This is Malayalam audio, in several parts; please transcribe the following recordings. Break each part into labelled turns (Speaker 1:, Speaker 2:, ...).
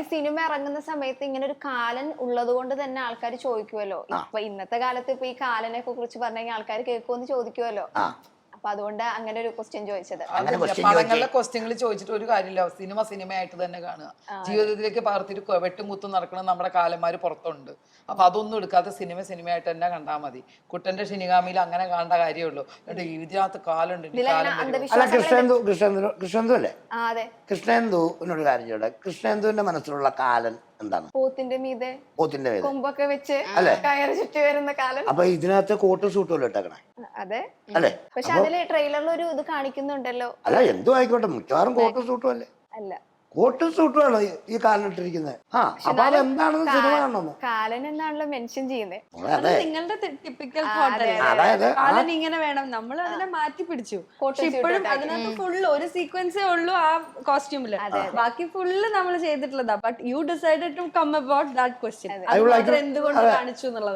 Speaker 1: സിനിമ ഇറങ്ങുന്ന സമയത്ത് ഇങ്ങനെ ഒരു കാലൻ ഉള്ളത് കൊണ്ട് തന്നെ ആൾക്കാർ ചോദിക്കുമല്ലോ. ഇപ്പൊ ഇന്നത്തെ കാലത്ത് ഇപ്പൊ ഈ കാലനെ കുറിച്ച് പറഞ്ഞെങ്കിൽ ആൾക്കാർ കേൾക്കുമെന്ന് ചോദിക്കുമല്ലോ. അപ്പൊ അതുകൊണ്ട് അങ്ങനെ ഒരു ക്വസ്റ്റ്യൻ ചോദിച്ചത്.
Speaker 2: പടങ്ങളിലെ ക്വസ്റ്റ്യങ്ങൾ ചോദിച്ചിട്ട് ഒരു കാര്യമില്ല. സിനിമയായിട്ട് തന്നെ കാണുക. ജീവിതത്തിലേക്ക് പകർത്തിട്ട് വെട്ടുമുത്തും നടക്കണം നമ്മുടെ കാലന്മാര് പുറത്തുണ്ട്. അപ്പൊ അതൊന്നും എടുക്കാതെ സിനിമയായിട്ട് തന്നെ കണ്ടാൽ മതി. കുട്ടന്റെ ഷിനിഗാമിയിൽ അങ്ങനെ കാണേണ്ട കാര്യമുള്ളൂ. ഇതിനകത്ത് കാലുണ്ട്.
Speaker 3: കൃഷ്ണേന്ദു അല്ലേ? കൃഷ്ണേന്ദുവിനൊരു കാര്യം ചോദിക്കട്ടെ. കൃഷ്ണേന്ദുവിന്റെ മനസ്സിലുള്ള കാലൻ എന്താണ്?
Speaker 1: പോത്തിന്റെ മീതെ കൊമ്പൊക്കെ വെച്ച് കയറി ചുറ്റി വരുന്ന കാലൻ.
Speaker 3: അപ്പൊ ഇതിനകത്ത് കോട്ടും സൂട്ടും ഇട്ടേക്കണേ.
Speaker 1: അതെ
Speaker 3: അല്ലേ?
Speaker 1: പക്ഷെ അതില് ട്രെയിലറിൽ ഒരു ഇത് കാണിക്കുന്നുണ്ടല്ലോ.
Speaker 3: അല്ല, എന്തും ആയിക്കോട്ടെ, മിക്കവാറും കോട്ടും സൂട്ടും അല്ലേ?
Speaker 1: അല്ല,
Speaker 3: കോട്ടും സൂട്ടുമാണ് ഈ കാലിനിട്ടിരിക്കുന്നത്. അപ്പൊ അതെന്താണെന്ന് സിനിമ കാണണമെന്ന്
Speaker 1: കാലൻ എന്നാണല്ലോ മെൻഷൻ ചെയ്യുന്നത്.
Speaker 4: നിങ്ങളുടെ ടിപ്പിക്കൽ കാലൻ ഇങ്ങനെ വേണം, നമ്മൾ അതിനെ മാറ്റി പിടിച്ചു. ഇപ്പോഴും അതിനകത്ത് ഫുള്ള് ഒരു സീക്വൻസേ ഉള്ളൂ ആ കോസ്റ്റ്യൂമില്, ബാക്കി ഫുള്ള് നമ്മൾ ചെയ്തിട്ടുള്ളതാ. But you decided to come about that question. എന്തുകൊണ്ട് കാണിച്ചു എന്നുള്ളത്.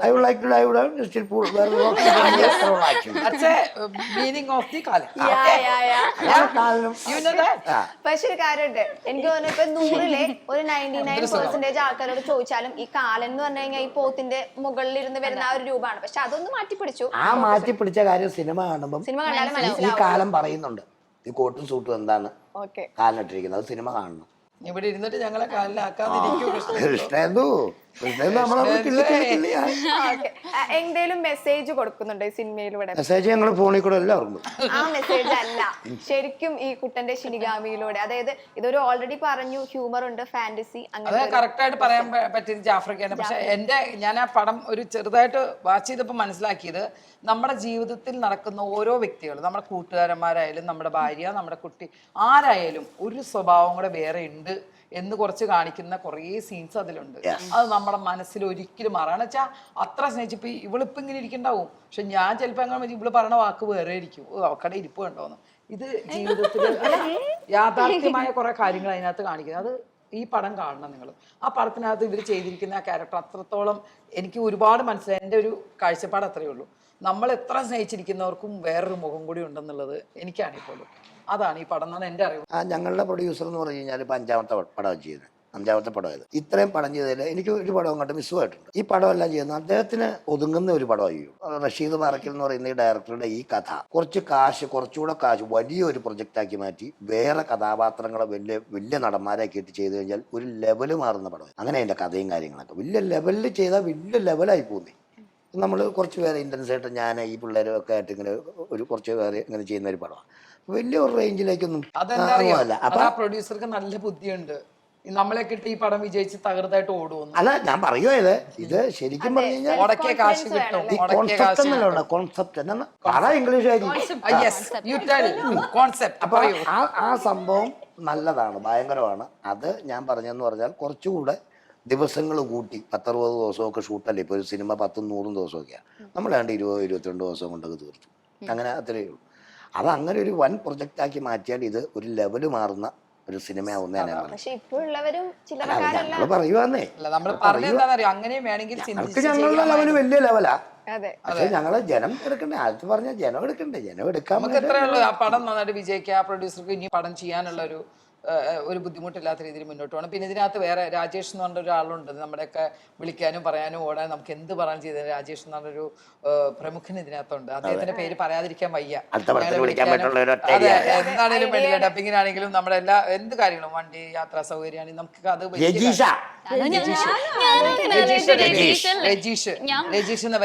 Speaker 1: പക്ഷെ ഒരു കാര്യമുണ്ട്, എനിക്ക് തോന്നുന്നു ഇപ്പൊ 100-ലെ ഒരു 99% ആൾക്കാരോട് ചോദിച്ചാലും ഈ കാലൻ എന്ന് പറഞ്ഞു കഴിഞ്ഞാൽ ഈ പോത്തിന്റെ മുകളിൽ ഇരുന്ന് വരുന്ന ആ ഒരു രൂപമാണ്. പക്ഷെ അതൊന്ന് മാറ്റിപ്പിടിച്ചു.
Speaker 3: ആ മാറ്റിപ്പിടിച്ച കാര്യം സിനിമ കാണുമ്പോൾ ഈ കാലം പറയുന്നുണ്ട്. ഈ കോട്ടും സൂട്ടും എന്താണ് കാലിനിട്ടിരിക്കുന്നത്, അത് സിനിമ കാണണം.
Speaker 2: ഇവിടെ ഇരുന്നിട്ട് ഞങ്ങളെ കാലിലാക്കാതിരിക്കും.
Speaker 3: കൃഷ്ണേന്ദു
Speaker 1: എന്തേലും മെസ്സേജ് കൊടുക്കുന്നുണ്ട് സിനിമയിലൂടെ?
Speaker 3: മെസ്സേജ് ഞങ്ങൾ ഫോണിൽ കൂടെ എല്ലാവർക്കും.
Speaker 1: ആ മെസ്സേജ് അല്ല, ശരിക്കും ഈ കുട്ടന്റെ ഷിനിഗാമിയിലൂടെ, അതായത് ഇതൊരു ഓൾറെഡി പറഞ്ഞു ഹ്യൂമർ ഉണ്ട്, ഫാന്റസി,
Speaker 2: അങ്ങനെ കറക്റ്റ് ആയിട്ട് പറയാൻ പറ്റിയത് ജാഫ്രിക്കയാണ്. പക്ഷെ ഞാൻ ആ പടം ഒരു ചെറുതായിട്ട് വാച്ച് ചെയ്തപ്പോൾ മനസ്സിലാക്കിയത്, നമ്മുടെ ജീവിതത്തിൽ നടക്കുന്ന ഓരോ വ്യക്തികളും, നമ്മുടെ കൂട്ടുകാരന്മാരായാലും നമ്മുടെ ഭാര്യ, നമ്മുടെ കുട്ടി, ആരായാലും ഒരു സ്വഭാവം കൂടെ വേറെ ഉണ്ട് എന്ന് കുറച്ച് കാണിക്കുന്ന കുറേ സീൻസ് അതിലുണ്ട്. അത് നമ്മുടെ മനസ്സിൽ ഒരിക്കലും മാറാണ് വെച്ചാൽ അത്ര സ്നേഹിച്ചിപ്പോ ഇവളിപ്പോ ഇങ്ങനെ ഇരിക്കണ്ടാവും. പക്ഷെ ഞാൻ ചിലപ്പോ അങ്ങനെ ഇവള് പറഞ്ഞ വാക്ക് വേറെ ഇരിക്കും. അവക്കടെ ഇരിപ്പ് കണ്ടോന്ന്. ഇത് ജീവിതത്തിൽ യാഥാർത്ഥ്യമായ കുറെ കാര്യങ്ങൾ അതിനകത്ത് കാണിക്കുന്നത്. അത് ഈ പടം കാണണം നിങ്ങൾ. ആ പടത്തിനകത്ത് ഇവർ ചെയ്തിരിക്കുന്ന ആ ക്യാരക്ടർ അത്രത്തോളം എനിക്ക് ഒരുപാട് മനസ്സിലായി. എൻ്റെ ഒരു കാഴ്ചപ്പാട് അത്രയേ ഉള്ളൂ. നമ്മൾ എത്ര സ്നേഹിച്ചിരിക്കുന്നവർക്കും വേറൊരു മുഖം കൂടി ഉണ്ടെന്നുള്ളത് എനിക്കാണിപ്പോഴും. അതാണ് ഈ പടം എന്നാണ് എൻ്റെ അറിവ്.
Speaker 3: ഞങ്ങളുടെ പ്രൊഡ്യൂസർ എന്ന് പറഞ്ഞു കഴിഞ്ഞാൽ ഇപ്പം 5ാമത്തെ പടം ചെയ്യുന്നത്, 5ാമത്തെ പടമായത്. ഇത്രയും പടം ചെയ്തതിൽ എനിക്ക് ഒരു പടം അങ്ങോട്ട് മിസ്സുമായിട്ടുണ്ട്. ഈ പടമെല്ലാം ചെയ്യുന്നത് അദ്ദേഹത്തിന് ഒതുങ്ങുന്ന ഒരു പടമായിരിക്കും. റഷീദ് പാറക്കൽ എന്ന് പറയുന്ന ഈ ഡയറക്ടറുടെ ഈ കഥ കുറച്ചുകൂടെ കാശ് വലിയൊരു പ്രൊജക്റ്റാക്കി മാറ്റി വേറെ കഥാപാത്രങ്ങളെ വലിയ നടന്മാരെ കേട്ട് ചെയ്ത് കഴിഞ്ഞാൽ ഒരു ലെവല് മാറുന്ന പടം. അങ്ങനെ അതിൻ്റെ കഥയും കാര്യങ്ങളൊക്കെ വലിയ ലെവലിൽ ചെയ്താൽ വലിയ ലെവലായി പോകുന്നേ. നമ്മൾ കുറച്ച് പേരെ ഇൻറ്റൻസായിട്ട് ഞാൻ ഈ പിള്ളേരും ഒക്കെ ആയിട്ട് ഇങ്ങനെ കുറച്ച് പേര് ഇങ്ങനെ ചെയ്യുന്ന ഒരു പടമാണ്. വലിയ ഒരു റേഞ്ചിലേക്കൊന്നും
Speaker 2: പ്രൊഡ്യൂസർക്ക് നല്ല ബുദ്ധിയുണ്ട്. നമ്മളെ കിട്ടി ഈ പടം വിജയിച്ച് തകർത്തായിട്ട് ഓടുന്നു.
Speaker 3: അല്ല, ഞാൻ പറയുക ഇത് ശരിക്കും പറഞ്ഞു കഴിഞ്ഞാൽ ആ സംഭവം നല്ലതാണ്, ഭയങ്കരമാണ്. അത് ഞാൻ പറഞ്ഞെന്ന് പറഞ്ഞാൽ കുറച്ചുകൂടെ ദിവസങ്ങൾ കൂട്ടി 10-60 ദിവസമൊക്കെ ഷൂട്ടല്ലേ. ഇപ്പോൾ ഒരു സിനിമ 10-100 ദിവസമൊക്കെയാണ്. നമ്മളാണ്ട് 20-22 ദിവസം കൊണ്ടൊക്കെ തീർത്തു. അങ്ങനെ അത്രയേ ഉള്ളൂ. അത് അങ്ങനെ ഒരു വൻ പ്രൊജക്റ്റ് ആക്കി മാറ്റിയാൽ ഇത് ഒരു ലെവല് മാറുന്ന ഒരു സിനിമയാവുന്ന പറയുവാന്നേ. ഞങ്ങളുടെ ലെവല് വലിയ ലെവലാ. പക്ഷെ ഞങ്ങള് ജനം എടുക്കണ്ടേ, ആദ്യത്തെ പറഞ്ഞ ജനം എടുക്കണ്ടേ, ജനം എടുക്കാൻ
Speaker 2: പടം നന്നായിട്ട് വിജയിക്കുക. പ്രൊഡ്യൂസർക്ക് ഇനി പടം ചെയ്യാനുള്ള ഒരു ബുദ്ധിമുട്ടില്ലാത്ത രീതിയിൽ മുന്നോട്ട് പോകണം. പിന്നെ ഇതിനകത്ത് വേറെ രാജേഷ് എന്ന് പറഞ്ഞ ഒരാളുണ്ട്, നമ്മുടെയൊക്കെ വിളിക്കാനും പറയാനും ഓടാനും നമുക്ക് എന്ത് പറയാൻ ചെയ്തത്. രാജേഷ് എന്ന് പറഞ്ഞൊരു പ്രമുഖൻ ഇതിനകത്തുണ്ട്. അദ്ദേഹത്തിന്റെ പേര് പറയാതിരിക്കാൻ വയ്യ. എന്താണെങ്കിലും വേണ്ടില്ല, ഡബിങ്ങിനാണെങ്കിലും നമ്മുടെ എല്ലാ എന്ത് കാര്യങ്ങളും, വണ്ടി യാത്രാ സൗകര്യമാണെങ്കിൽ നമുക്ക് അത് രജീഷ് എന്ന്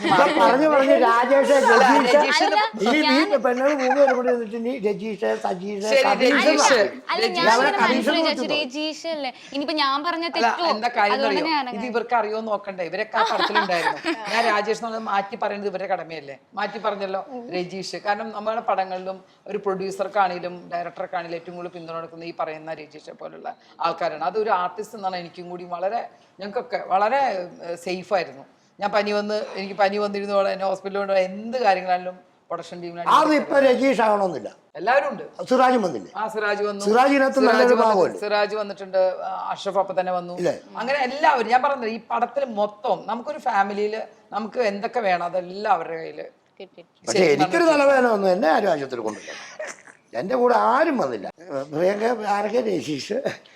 Speaker 4: ഇനിയിപ്പോ ഞാൻ പറഞ്ഞ
Speaker 2: എന്താ കാര്യം ഇത് ഇവർക്ക് അറിയോ നോക്കണ്ടേ. ഇവരൊക്കെ ആ പടത്തിലുണ്ടായിരുന്നു. ഞാൻ രാജേഷ് എന്നുള്ളത് മാറ്റി പറയുന്നത് ഇവരുടെ കടമയല്ലേ. മാറ്റി പറഞ്ഞല്ലോ രജീഷ്. കാരണം നമ്മുടെ പടങ്ങളിലും ഒരു പ്രൊഡ്യൂസർക്കാണെങ്കിലും ഡയറക്ടർക്കാണെങ്കിലും ഏറ്റവും കൂടുതൽ പിന്തുണ കൊടുക്കുന്ന ഈ പറയുന്ന രജീഷെ പോലുള്ള ആൾക്കാരാണ്. അതൊരു ആർട്ടിസ്റ്റ് എന്നാണ് എനിക്കും കൂടി ഞങ്ങൾക്കൊക്കെ വളരെ സേഫ് ആയിരുന്നു. എനിക്ക് പനി വന്നിരുന്നോടെ എന്നെ ഹോസ്പിറ്റലിൽ കൊണ്ട് എന്ത് കാര്യങ്ങളാണെങ്കിലും പ്രൊഡക്ഷൻ ടീമിനാണ്.
Speaker 3: രജീഷ് ആവണമെന്നില്ല,
Speaker 2: എല്ലാവരും ഉണ്ട്.
Speaker 3: സിറാജും വന്നില്ല.
Speaker 2: സിറാജ് വന്നു, സിറാജ് വന്നിട്ടുണ്ട്, അഷ്റഫ് അപ്പൊ തന്നെ വന്നു. അങ്ങനെ എല്ലാവരും ഞാൻ പറഞ്ഞത് ഈ പടത്തിൽ മൊത്തം നമുക്കൊരു ഫാമിലിയില് നമുക്ക് എന്തൊക്കെ വേണം അതെല്ലാം അവരുടെ കയ്യില്.
Speaker 3: പക്ഷെ എനിക്കൊരു തലവേദന വന്നു, എന്നെ ആരും ആശുപത്രി കൊണ്ടില്ല. എന്റെ കൂടെ ആരും വന്നില്ല. പ്രിയങ്ക, ആരൊക്കെ, രജീഷ്,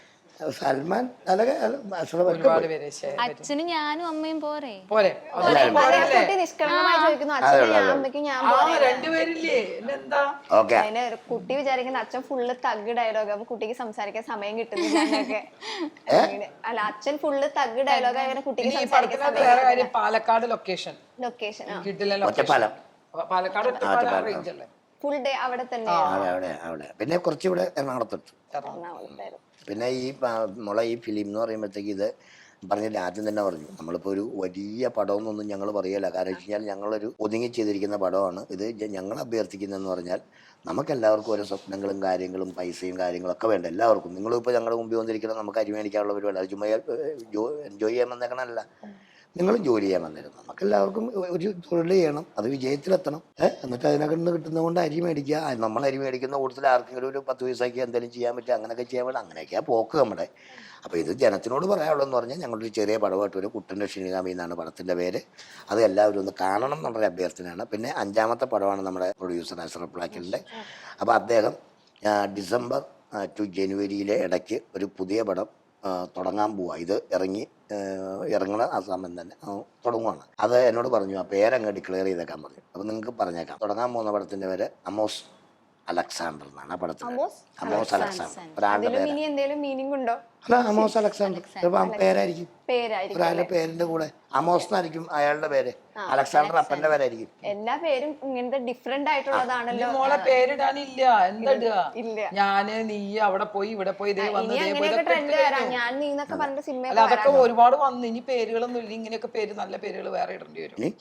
Speaker 3: സൽമാൻ അല്ലെങ്കിൽ
Speaker 2: ഒരുപാട് പേര് ശരി.
Speaker 5: അച്ഛനും ഞാനും അമ്മയും പോരെ?
Speaker 2: പോരെ
Speaker 1: കുട്ടി നിഷ്കളങ്കമായി ചോദിക്കുന്നു അച്ഛനും ഞാൻ അമ്മയ്ക്കും ഞാൻ
Speaker 2: രണ്ടുപേരില്ലേ എന്താ
Speaker 3: ഓക്കെ.
Speaker 1: അതിന് കുട്ടി വിചാരിക്കുന്ന അച്ഛൻ ഫുള്ള് തഗ് ഡയലോഗ് അപ്പൊ കുട്ടിക്ക് സംസാരിക്കാൻ സമയം കിട്ടുന്നില്ല എന്നൊക്കെ. അല്ല അച്ഛൻ ഫുള്ള് തഗ് ഡയലോഗ് അങ്ങനെ കുട്ടിക്ക്
Speaker 2: ഈ
Speaker 1: സംസാരിക്കാൻ
Speaker 2: പടത്തിനകത്ത് വേറെ കാര്യം പാലക്കാട് ലൊക്കേഷൻ
Speaker 1: ലൊക്കേഷൻ
Speaker 2: കിട്ടില്ല
Speaker 3: ഒറ്റപ്പാലം.
Speaker 2: പാലക്കാട് ഒറ്റപ്പാലം റേഞ്ച് അല്ലേ?
Speaker 1: ഫുൾ ഡേ അവിടെ തന്നെ
Speaker 3: അവിടെ പിന്നെ കുറച്ചുകൂടെ എറണാകുളത്തിട്ടു.
Speaker 1: എറണാകുളത്തായിരുന്നു.
Speaker 3: പിന്നെ ഈ നമ്മളെ ഈ ഫിലിം എന്ന് പറയുമ്പോഴത്തേക്ക് ഇത് പറഞ്ഞില്ല, ആദ്യം തന്നെ പറഞ്ഞു നമ്മളിപ്പോൾ ഒരു വലിയ പടമെന്നൊന്നും ഞങ്ങൾ പറയല്ല. കാരണം വെച്ച് കഴിഞ്ഞാൽ ഞങ്ങളൊരു ഒതുങ്ങി ചെയ്തിരിക്കുന്ന പടമാണ് ഇത്. ഞങ്ങൾ അഭ്യർത്ഥിക്കുന്നതെന്ന് പറഞ്ഞാൽ നമുക്കെല്ലാവർക്കും ഓരോ സ്വപ്നങ്ങളും കാര്യങ്ങളും പൈസയും കാര്യങ്ങളൊക്കെ വേണ്ട എല്ലാവർക്കും. നിങ്ങളിപ്പോൾ ഞങ്ങളുടെ മുമ്പിൽ വന്നിരിക്കുന്നത് നമുക്ക് അരിമേടിക്കാനുള്ള പരിപാടി, അത് ചുമ്മാ എൻജോയ് ചെയ്യാൻ വന്നേക്കണമല്ല, നിങ്ങളും ജോലി ചെയ്യാൻ വന്നിരുന്നു. നമുക്കെല്ലാവർക്കും ഒരു തൊഴിൽ ചെയ്യണം, അത് വിജയത്തിലെത്തണം. എന്നിട്ട് അതിനകത്ത് നിന്ന് കിട്ടുന്നത് കൊണ്ട് അരി മേടിക്കുക. നമ്മൾ അരി മേടിക്കുന്ന കൂടുതൽ ആർക്കെങ്കിലും ഒരു 10 പൈസയ്ക്ക് എന്തെങ്കിലും ചെയ്യാൻ പറ്റുക, അങ്ങനെയൊക്കെ ചെയ്യാൻ വേണം. അങ്ങനെയൊക്കെയാണ് പോക്ക് നമ്മുടെ. അപ്പോൾ ഇത് ജനത്തിനോട് പറയാനുള്ളതെന്ന് പറഞ്ഞാൽ ഞങ്ങളൊരു ചെറിയ പടമായിട്ട് ഒരു കുട്ടൻ്റെ ക്ഷണികാമി എന്നാണ് പടത്തിൻ്റെ പേര്. അത് എല്ലാവരും ഒന്ന് കാണണം എന്നുള്ളൊരു അഭ്യർത്ഥനയാണ്. പിന്നെ 5ാമത്തെ പടമാണ് നമ്മുടെ പ്രൊഡ്യൂസർ അഷ്റഫ് പ്ലാക്കലിൻ്റെ. അപ്പോൾ അദ്ദേഹം ഡിസംബർ ടു ജനുവരിയിലെ ഇടയ്ക്ക് ഒരു പുതിയ പടം തുടങ്ങാൻ പോവുക. ഇത് ഇറങ്ങണ ആ സമയം തന്നെ തുടങ്ങുവാണ്. അത് എന്നോട് പറഞ്ഞു ആ പേരങ്ങ് ഡിക്ലെയർ ചെയ്തേക്കാൻ പറഞ്ഞു. അപ്പോൾ നിങ്ങൾക്ക് പറഞ്ഞേക്കാം. തുടങ്ങാൻ പോകുന്ന പടത്തിൻ്റെ പേര് അമോസ് അലക്സാണ്ടർ എന്നാണ് ആ പടത്തിന്. അമോസ് അലക്സാണ്ടർ ഒരാളുടെ പേര്.
Speaker 1: ഇനി എന്തെങ്കിലും മീനിങ് ഉണ്ടോ?
Speaker 3: അല്ല, അമോസ് അലക്സാണ്ടർ പേരായിരിക്കും. ഒരാളുടെ പേരിന്റെ കൂടെ അമോസ് എന്നായിരിക്കും അയാളുടെ പേര്, അലക്സാണ്ടർ അപ്പന്റെ പേരായിരിക്കും.
Speaker 1: എല്ലാ പേരും ഇങ്ങനത്തെ ഡിഫറെന്റ് ആയിട്ടുള്ളതാണല്ലോ.
Speaker 2: മോളെ പേരിടാനില്ല, എന്താ ഞാന് നീ അവിടെ പോയി ഇവിടെ പോയി ഇതേ വന്ന്
Speaker 1: ഞാൻ നീ എന്നൊക്കെ പറഞ്ഞ സിനിമ
Speaker 2: അല്ല അതൊക്കെ ഒരുപാട് വന്നു. ഇനി പേരുകളൊന്നും ഇല്ല, ഇങ്ങനെയൊക്കെ പേര് നല്ല പേരുകൾ വേറെ ഇടേണ്ടി വരും.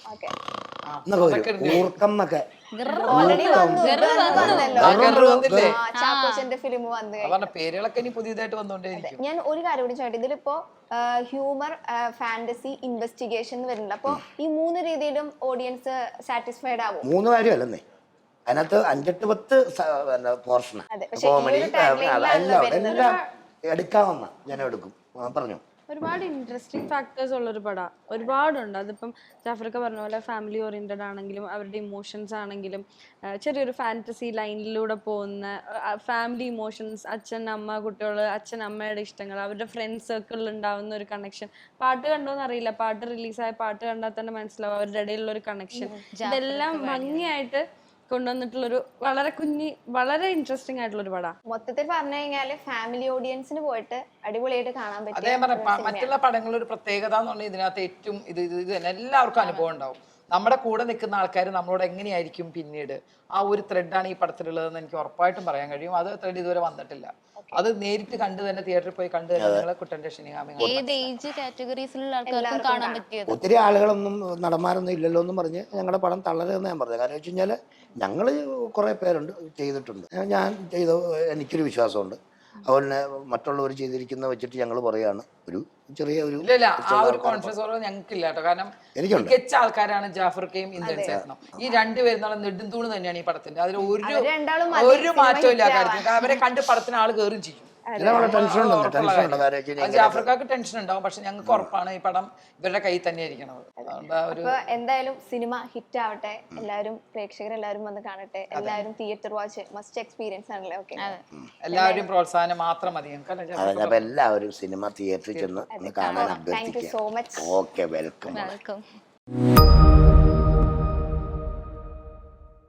Speaker 1: ചാക്കോച്ചന്റെ ഫിലിം വന്നു.
Speaker 2: പറഞ്ഞ പേരുകളൊക്കെ ഇനി പുതിയതായിട്ട് വന്നോണ്ടേയിരിക്കും.
Speaker 1: ഞാൻ ഒരു കാര്യം കൂടി ചോദിച്ചു, ഇതിലിപ്പോ ഹ്യൂമർ, ഫാന്റസി, ഇൻവെസ്റ്റിഗേഷൻ വരുന്നുണ്ട്. അപ്പൊ ഈ 3 രീതിയിലും ഓഡിയൻസ് സാറ്റിസ്ഫൈഡ് ആവും?
Speaker 3: 3 കാര്യമല്ലെന്നേ, അതിനകത്ത് 5-8-10 പോർഷന് കോമഡി എല്ലാം എടുക്കാവുന്ന ഞാൻ എടുക്കും. പറഞ്ഞു
Speaker 4: ഒരുപാട് ഇൻട്രസ്റ്റിംഗ് ഫാക്ടേഴ്സ് ഉള്ളൊരു പടം ഒരുപാടുണ്ട്. അതിപ്പം ജാഫ്രിക്ക പറഞ്ഞ പോലെ ഫാമിലി ഓറിയന്റഡ് ആണെങ്കിലും അവരുടെ ഇമോഷൻസ് ആണെങ്കിലും ചെറിയൊരു ഫാന്റസി ലൈനിലൂടെ പോകുന്ന ഫാമിലി ഇമോഷൻസ്, അച്ഛൻ അമ്മ കുട്ടികൾ, അച്ഛൻ അമ്മയുടെ ഇഷ്ടങ്ങൾ, അവരുടെ ഫ്രണ്ട്സ് സർക്കിളിൽ ഉണ്ടാവുന്ന ഒരു കണക്ഷൻ. പാട്ട് കണ്ടോന്ന് അറിയില്ല, പാട്ട് റിലീസായ പാട്ട് കണ്ടാൽ തന്നെ മനസ്സിലാവും അവരുടെ ഇടയിലുള്ള ഒരു കണക്ഷൻ. ഇതെല്ലാം ഭംഗിയായിട്ട് കൊണ്ടുവന്നിട്ടുള്ളൊരു വളരെ ഇൻട്രസ്റ്റിംഗ് ആയിട്ടുള്ള ഒരു പടം.
Speaker 1: മൊത്തത്തിൽ പറഞ്ഞു കഴിഞ്ഞാല് ഫാമിലി ഓഡിയൻസിന് പോയിട്ട് അടിപൊളിയായിട്ട് കാണാൻ പറ്റും.
Speaker 2: അതേ പറഞ്ഞ മറ്റുള്ള പടങ്ങളുടെ ഒരു പ്രത്യേകത എന്ന് പറഞ്ഞാൽ ഇതിനകത്ത് ഏറ്റവും ഇത് തന്നെ എല്ലാവർക്കും അനുഭവം ഉണ്ടാവും. നമ്മുടെ കൂടെ നിൽക്കുന്ന ആൾക്കാർ നമ്മളോട് എങ്ങനെയായിരിക്കും പിന്നീട് ആ ഒരു ത്രെഡാണ് ഈ പടത്തിലുള്ളതെന്ന് എനിക്ക് ഉറപ്പായിട്ടും പറയാൻ കഴിയും. അത് ത്രെഡ് ഇതുവരെ വന്നിട്ടില്ല. അത് നേരിട്ട് കണ്ടു തന്നെ തിയേറ്ററിൽ പോയി കണ്ടു തന്നെ നിങ്ങളെ കുട്ടന്റെ ക്ഷണികാമി.
Speaker 5: ഏത് ഏജ് കാറ്റഗറീസിലുള്ള ആൾക്കാർക്കും കാണാൻ പറ്റിയത്.
Speaker 3: ഒത്തിരി ആളുകളൊന്നും നടന്മാരൊന്നും ഇല്ലല്ലോ എന്നും പറഞ്ഞ് ഞങ്ങളുടെ പടം തളരുമെന്ന് ഞാൻ പറഞ്ഞത്. കാരണം വെച്ച് കഴിഞ്ഞാൽ ഞങ്ങൾ കുറേ പേരുണ്ട് ചെയ്തിട്ടുണ്ട്. ഞാൻ ചെയ്ത എനിക്കൊരു വിശ്വാസമുണ്ട്. അതുപോലെ മറ്റുള്ളവർ ചെയ്തിരിക്കുന്ന വെച്ചിട്ട് ഞങ്ങൾ പറയാണ് ഒരു ചെറിയ ഒരു
Speaker 2: ആ ഒരു കോൺഫിഡൻസ് ഞങ്ങൾക്കില്ല കേട്ടോ. കാരണം മികച്ച ആൾക്കാരാണ് ജാഫർക്കയും ഇന്ദ്രൻ ചേട്ടനും. ഈ 2 പേരും നല്ല നെടുന്തൂണ് തന്നെയാണ് ഈ പടത്തിന്റെ. അതിൽ ഒരു മാറ്റവും ഇല്ല കാര്യത്തിൽ. അവരെ കണ്ട് പടത്തിന് ആള് കയറും ചെയ്യും. ജാഫർക്കാർക്ക് ടെൻഷൻ ഉണ്ടാവും, പക്ഷെ ഞങ്ങൾക്ക് ഉറപ്പാണ് ഈ പടം ഇവരുടെ കയ്യിൽ തന്നെ ഇരിക്കണത്.
Speaker 1: എന്തായാലും സിനിമ ഹിറ്റ് ആവട്ടെ, എല്ലാവരും പ്രേക്ഷകരെല്ലാവരും വന്ന് കാണട്ടെ. എല്ലാവരും തിയേറ്റർ വാച്ച് മസ്റ്റ് എക്സ്പീരിയൻസ് ആണല്ലേ? ഓക്കെ,
Speaker 2: എല്ലാവരും പ്രോത്സാഹനം മാത്രം മതി.
Speaker 3: എല്ലാവരും സിനിമ തിയേറ്ററിൽ ചെന്ന് കാണാൻ അഭ്യർത്ഥിക്കുക.
Speaker 1: Thank you so much.
Speaker 3: Okay, welcome.